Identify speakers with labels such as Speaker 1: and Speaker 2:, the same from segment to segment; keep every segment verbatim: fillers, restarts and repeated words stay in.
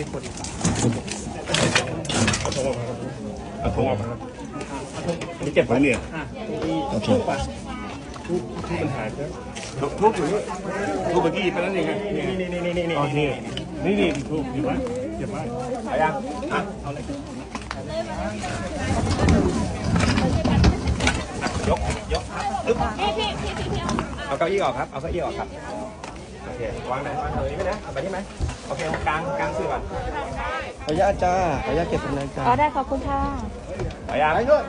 Speaker 1: คนอีกเอาทงออกมาเอาทงออกมานี่เก็บไว้เนี่ยโอเคทุกทุกปัญหาครับทุกอยู่นี่ทุกเมื่อกี้ไปแล้วนี่ไงนี่นี่นี่นี่นี่โอเคนี่นี่ทุกเก็บไว้เก็บไว้เอายังอ่ะเอาเลยยกยกปึ๊บเอาเก้าอี้ออกครับเอาเก้าอี้ออกครับโอเควางไหนวางตรงนี้ไหมนะเอาไปที่ไหมโอเคกลางกลางสื่อก่อนขออนุญาตจ้าขออนุญาตเก็บเป็นรายการ
Speaker 2: อ๋อได้ขอบคุณค่ะ
Speaker 1: ขออนุญาตไปด้วย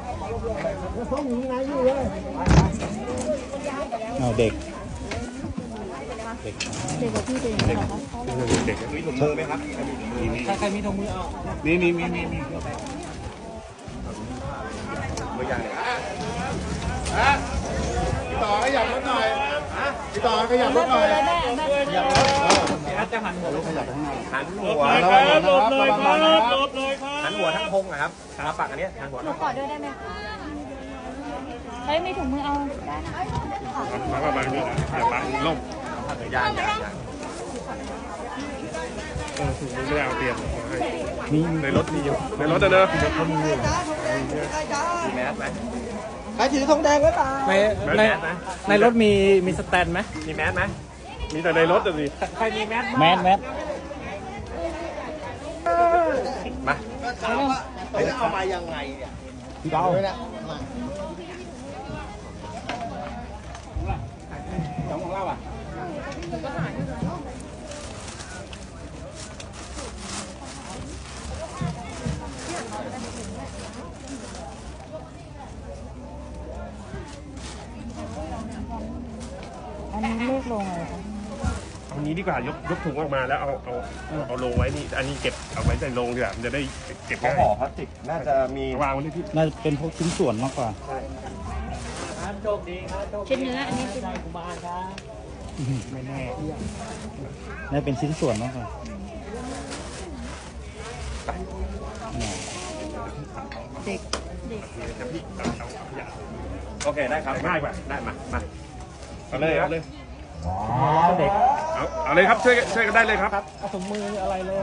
Speaker 3: เอาเด็ก
Speaker 2: เด็กเด็กกับพี่เด็กเหรอคะ
Speaker 1: เด็กมีถุงมือไหมครับใครใครมีถุงมือเอามีมีมีมีมีตัวอย่างเลยฮะพี่ต่อขยับรถหน่อยฮะพี่ต่อขยับรถหน่อยขยับรถพี่อาร์ตจะหันหัวขยับข้างหน้าหันหัวแล้วหลบเลยครับหลบเลยครับหันหัวทั้งพงนะครับขาปักอันนี้หันหัวหนู
Speaker 2: กอดด้วยได้ไหมคะเฮ้ยมีถุงมือเอาได้นะ
Speaker 1: มาประมาณนี้อย่าบังล่มยางยางยางเออถุงมือไม่เอาเปลี่ยนมีในรถมีอยู่ในรถนะเนอะเขามีอยู่มีแมสไหม
Speaker 3: ใครถือธงแดงไว้เปล่า
Speaker 1: ในใน
Speaker 3: ในรถมีมีสแตนไหม
Speaker 1: มีแมสไหมมีแต่ในรถจะมี
Speaker 3: ใครมีแมสแมสแมส
Speaker 1: มา
Speaker 3: เขาจะเอามายังไงเนี่ยพี่เบาจ้องของเราอ่ะ
Speaker 2: อันนี้เลขลงอะไรคะ
Speaker 1: เอานี้ดีกว่ายกยกถุงออกมาแล้วเอาเอาเอาลงไว้นี่อันนี้เก็บเอาไว้ในโรงดีกว่ามันจะได้เก็บง่าย
Speaker 3: ห่อพลาสติกน่าจะมี
Speaker 1: วางไว้ที่
Speaker 3: น่าจะเป็นพวกชิ้นส่วนมากกว่า
Speaker 2: โชคดีครับชิ้นเนื้ออันนี้ชิ้นกุมารครับ
Speaker 3: ไม่แน่น่าเป็นชิ้นส่วนมากกว่า
Speaker 2: เด็กเด็ก
Speaker 1: โอเคได้ครับง่ายกว่าได้มามาเอาเลยเอาเลย
Speaker 3: เด็ก
Speaker 1: เอาเอาเลยครับช่วยช่วยกันได้เลยครับ
Speaker 3: เอาถุงมืออะไรเลย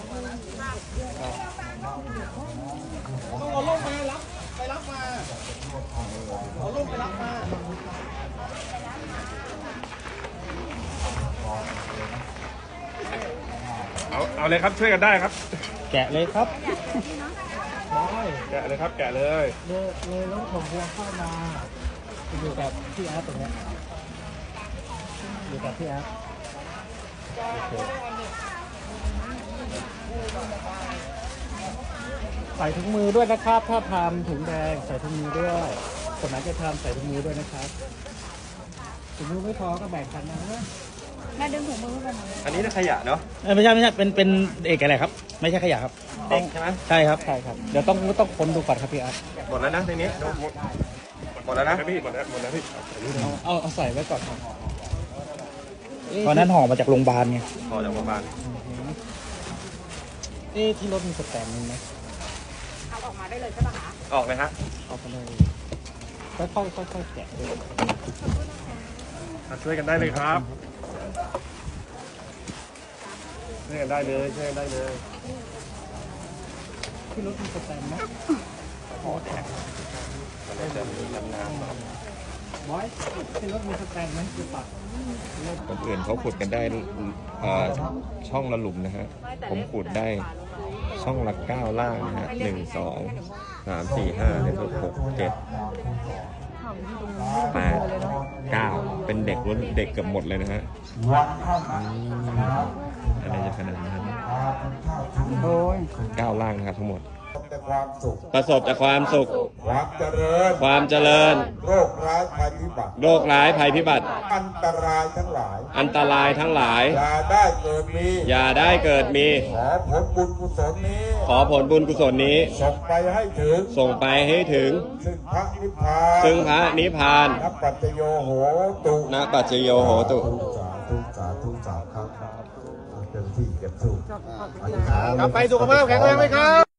Speaker 3: เอาลูกมารับไปรับมาเอาลูกไปรับมา
Speaker 1: เอาเอาเลยครับช่วยกันได้ครับ
Speaker 3: แกะเลยครับ
Speaker 1: แกะเลยครับแกะเลย
Speaker 3: เลยเลยรถของพวงเข้ามาอยู่กับพี่อาร์ตตรงนี้อยู่กับพี่อาร์ตใส่ถุงมือด้วยนะครับถ้าทำถุงแดงใส่ถุงมือด้วยคนไหนจะทำใส่ถุงมือด้วยนะครับถุงมือไม่พอก็แบ่งกันนะ
Speaker 2: แม่ดึงถุงมือกัน
Speaker 1: อันนี้น่าขยะเนาะ
Speaker 3: ไม่ใช่ไม่ใช่เป็นเป็นเอกอะไรครับไม่ใช่ขยะครับ
Speaker 1: เด็กใช่ไหม
Speaker 3: ใช่ครับใช่ครับเดี๋ยวต้องต้องค้นดูก่อนครับพี่อาร์ต
Speaker 1: หมดแล้วนะทีนี้หมดแล้วนะพี่หมดแล้วหมดแล้วพี่
Speaker 3: เอาเอาใส่ไว้ก่อนตอนนั้นห่อมาจากโรงพยาบาลไง
Speaker 1: ห่อจากโรงพยาบาล
Speaker 3: เอ๊ะที่รถมีสแตนไหม
Speaker 2: เอาออกมาได้เลยใช่ปะคะ
Speaker 1: ออกเลยฮะ
Speaker 3: ออกไปเลยค่อยค่อยค่อยค่อยแกะด้วย
Speaker 1: ช่วยกันได้เลยครับช่วยกันได้เลยช่วยกันได้เลย
Speaker 3: ที่รถมีสแตนไหม
Speaker 1: ห่อแท็กมันจะมีน้ำน้ำ
Speaker 3: บอยที่รถมีสแตนไหมคือปัก
Speaker 4: คนอื่นเขาขุดกันได้ช่องละหลุมนะฮะผมขุดได้ช่องละเก้าล่างนะฮะหนึ่งสองสามสี่ห้าหนึ่งหกเจ็ดแปดเก้าเป็นเด็กล้วนเด็กเกือบหมดเลยนะฮะอะไรจะขนาดนั้นเก้าล่างนะครับทั้งหมดประสบจากความสุข
Speaker 5: ความเจริญ
Speaker 4: ความเจริญ
Speaker 5: โรคร้ายภัยพิบัติ
Speaker 4: โรคร้ายภัยพิบัติ
Speaker 5: อันตรายทั้งหลาย
Speaker 4: อันตรายทั้งหลาย
Speaker 5: อย่าได้เกิดมี
Speaker 4: อย่าได้เกิดมี
Speaker 5: ขอผลบุญกุศลนี้
Speaker 4: ขอผลบุญกุศลนี้
Speaker 5: ส่งไปให้ถึง
Speaker 4: ส่งไปให้ถึง
Speaker 5: ซึ่งพระนิพพาน
Speaker 4: ซึ่งพระนิพพาน
Speaker 5: นับปัจจโยโหตุ
Speaker 4: นับปัจจโยโหตุ
Speaker 5: สาธุสาธุสาธุครับเต็มที่เก็บสู้
Speaker 1: กลับไปสุขภาพแข็งแรงไหมครับ